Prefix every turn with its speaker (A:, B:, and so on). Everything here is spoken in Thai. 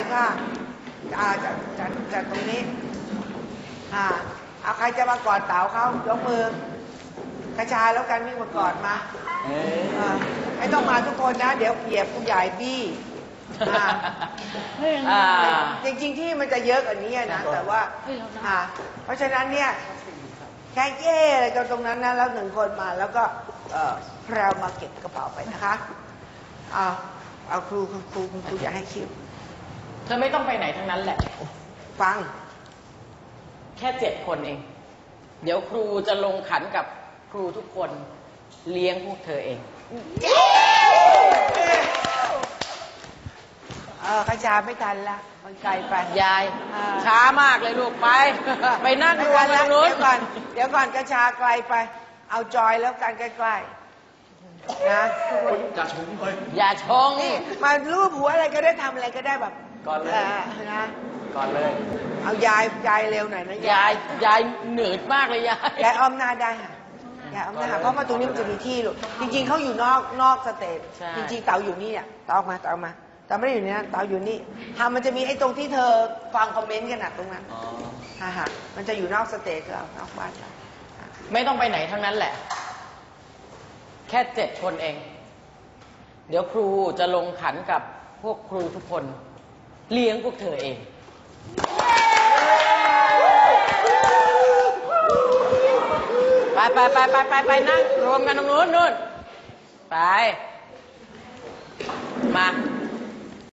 A: ก็จัดตรงนี้เอาใครจะมากอดเต๋าเขายกมือกระชายแล้วกันวิ่งมากอดมาไม่ต้องมาทุกคนนะเดี๋ยวเหยียบผู้ใหญ่บี้จริงๆที่มันจะเยอะกว่านี้นะแต่ว่าเพราะฉะนั้นเนี่ยแค่เย่อะไรกันตรงนั้นนะแล้วหนึ่งคนมาแล้วก็เรามาเก็บกระเป๋าไปนะคะเอาครูอยากให้คิว
B: เธอไม่ต้องไปไหนทั้งนั้นแหละ
A: ฟัง
B: แค่7 คนเองเดี๋ยวครูจะลงขันกับครูทุกคนเลี้ยงพวกเธอเอง
A: ขจาไม่ทันละมันไกลไป
B: ยายช้ามากเลยลูกไปนั่งรวมกันนู้น
A: เดี๋ยวก่อนกระชาไกลไปเอาจอยแล้วกันใกล้ๆนะ
C: อย่าชงไป
B: อย่าชง
A: นี่มารูปหัวอะไรก็ได้ทำอะไรก็ได้แบบ
C: ก่อนเลย
A: นะ
C: ก่อนเลย
A: เอายายเร็วหน่อยนะ
B: ยายเหนื่อยมากเลยยาย
A: อ้อมหน้าได้ค่ะยายอ้อมหน้าเพราะว่าตรงนี้มันจะมีที่ลูกจริงๆเขาอยู่นอกสเตจจริงๆเต๋าอยู่นี่อ่ะเต๋าออกมาเต๋าไม่ได้อยู่นี่นะเต๋าอยู่นี่มันจะมีไอ้ตรงที่เธอฟังคอมเมนต์กันนะตรงนั้นมันจะอยู่นอกสเตจก็นอกบ้าน
B: ไม่ต้องไปไหนทั้งนั้นแหละแค่7 คนเองเดี๋ยวครูจะลงขันกับพวกครูทุกคนเลี้ยงพวกเธอเองไปนั่งรวมกันตรงนู้นนู่นไปมา